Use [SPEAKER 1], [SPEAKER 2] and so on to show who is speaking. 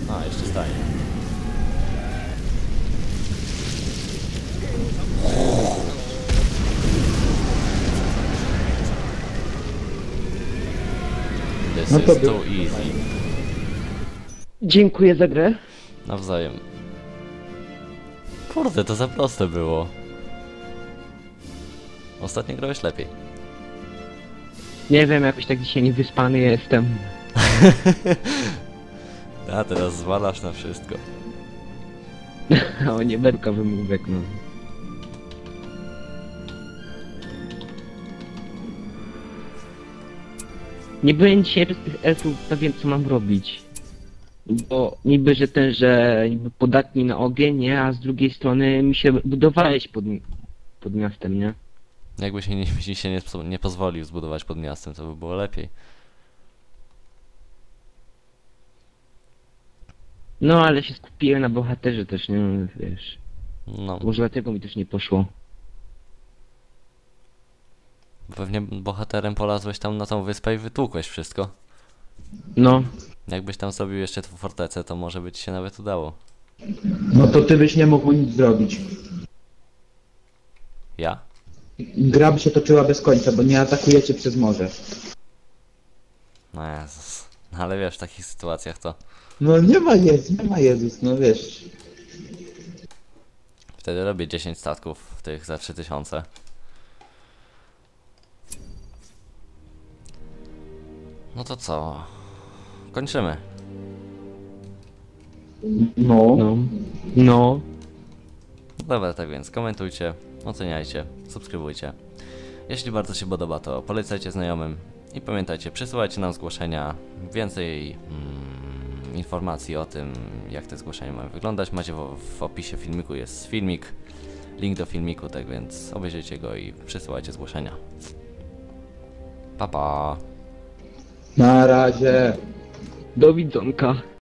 [SPEAKER 1] A, jeszcze staje. This
[SPEAKER 2] No to
[SPEAKER 1] is too easy.
[SPEAKER 2] Dziękuję za grę.
[SPEAKER 1] Nawzajem. Kurde, to za proste było. Ostatnio grałeś lepiej.
[SPEAKER 2] Nie wiem, jakoś tak dzisiaj niewyspany jestem.
[SPEAKER 1] A teraz zwalasz na wszystko.
[SPEAKER 2] O, nie berka wymówek, no. Nie byłem dzisiaj bez tych elfów pewien, co mam robić. Bo niby, że niby podatni na ogień, nie? A z drugiej strony mi się budowałeś pod miastem, nie?
[SPEAKER 1] Jakby się nie pozwolił zbudować pod miastem, to by było lepiej.
[SPEAKER 2] No, ale się skupiłem na bohaterze też, nie? Wiesz.
[SPEAKER 1] No,
[SPEAKER 2] Może dlatego mi też nie poszło.
[SPEAKER 1] pewnie bohaterem polazłeś tam na tą wyspę i wytłukłeś wszystko.
[SPEAKER 2] No.
[SPEAKER 1] Jakbyś tam zrobił jeszcze tą fortecę, to może by ci się nawet udało.
[SPEAKER 3] No to ty byś nie mógł nic zrobić.
[SPEAKER 1] Ja?
[SPEAKER 3] Gra by się toczyła bez końca, bo nie atakujecie przez morze.
[SPEAKER 1] No Jezus. No ale wiesz, w takich sytuacjach to
[SPEAKER 3] No nie ma Jezus, no wiesz.
[SPEAKER 1] wtedy robię 10 statków tych za 3000. No to co? Kończymy.
[SPEAKER 3] No.
[SPEAKER 2] No. No.
[SPEAKER 1] Dobra, tak więc komentujcie, oceniajcie, subskrybujcie. Jeśli bardzo się podoba, to polecajcie znajomym i pamiętajcie, przesyłajcie nam zgłoszenia. Więcej informacji o tym, jak te zgłoszenia mają wyglądać, macie w opisie filmiku jest filmik, link do filmiku, tak więc obejrzyjcie go i przesyłajcie zgłoszenia. Pa pa!
[SPEAKER 3] Na razie.
[SPEAKER 2] Do widzonka.